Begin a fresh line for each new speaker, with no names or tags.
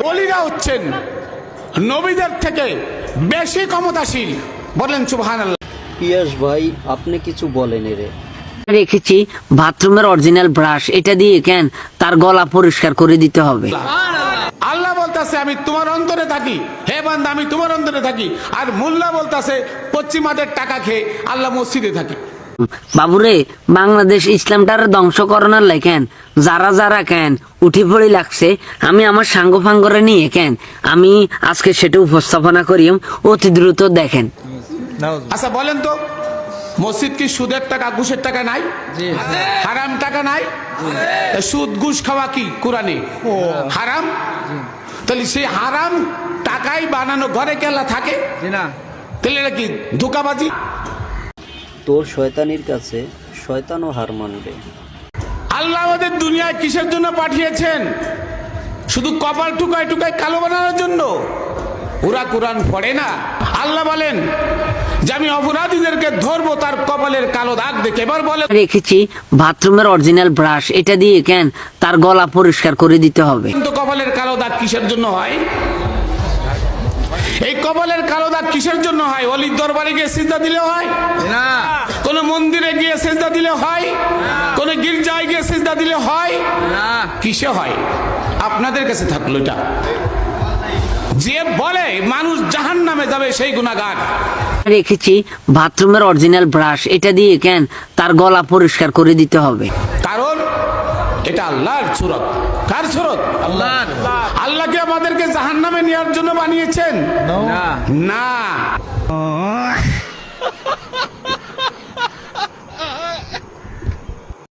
ওলিরা হচ্ছেন নবীদের থেকে বেশি ক্ষমতাশীল। বলেন সুবহানাল্লাহ।
পিয়াস ভাই আপনি কিছু বলেন রে।
রেখেছি বাথরুমের অরিজিনাল ব্রাশ, এটা দিয়ে কেন তার গলা পরিষ্কার করে দিতে হবে।
আল্লাহ বলতাছে আমি তোমার অন্তরে থাকি, হে বান্দা আমি তোমার অন্তরে থাকি। আর মোল্লা বলতাছে পশ্চিমাদের টাকা খেয়ে আল্লাহ মসজিদে থাকি।
বাবুরে, বাংলাদেশ ইসলামটার ধ্বংস করোনার লাই কেন যারা যারা কেন উঠি পড়ি লাগছে, আমি আমার সাঙ্গ ফাঙ্গরে নিয়ে কেন আমি আজকে সেটা উপস্থাপনা করি, অতি দ্রুত দেখেন।
আচ্ছা বলেন তো, মসজিদ কি সুদের টাকা ঘুষের টাকা নাই? হারাম টাকা নাই? সুদ ঘুষ খাওয়া কি কোরআনে হারাম? তাহলে সেই হারাম টাকাই বানানো ঘরে কেলা থাকে, তাহলে এটা কি ধোঁকাবাজি?
তোর শয়তানির কাছে শয়তানও হার মানবে।
আল্লাহ আমাদের দুনিয়ায় কিসের জন্য পাঠিয়েছেন? শুধু কপাল টুকায় টুকায় কালো বানানোর জন্য? ওরা কোরআন পড়ে না। আল্লাহ বলেন যে আমি অপরাধীদেরকে ধরবো তার কপালের কালো দাগ দেখে। এবার বলে
রেখেছি বাথরুমের অরিজিনাল ব্রাশ, এটা দিয়ে কেন তার গলা পরিষ্কার করে দিতে হবে।
কিন্তু কপালের কালো দাগ কিসের জন্য হয়? এই কপালের কালো দাগ কিসের জন্য হয়? অলির দরবারে গিয়ে সিজদা দিলে হয় না? কোন মন্দিরে গিয়ে সিজদা দিলে হয়? কোন গির্জায় গিয়ে সিজদা দিলে হয় না? কিসে হয়? আপনাদের কাছে থাকলো এটা। যে বলে মানুষ জাহান্নামে যাবে সেই গুনাহগার।
রেখেছি বাথরুমের অরিজিনাল ব্রাশ, এটা দিয়ে কেন তার গলা পরিষ্কার করে দিতে হবে।
কারণ এটা আল্লাহর সুরত। কার সুরত? আল্লাহর। আল্লাহ কি আমাদেরকে জাহান্নামে নেওয়ার জন্য বানিয়েছেন? না।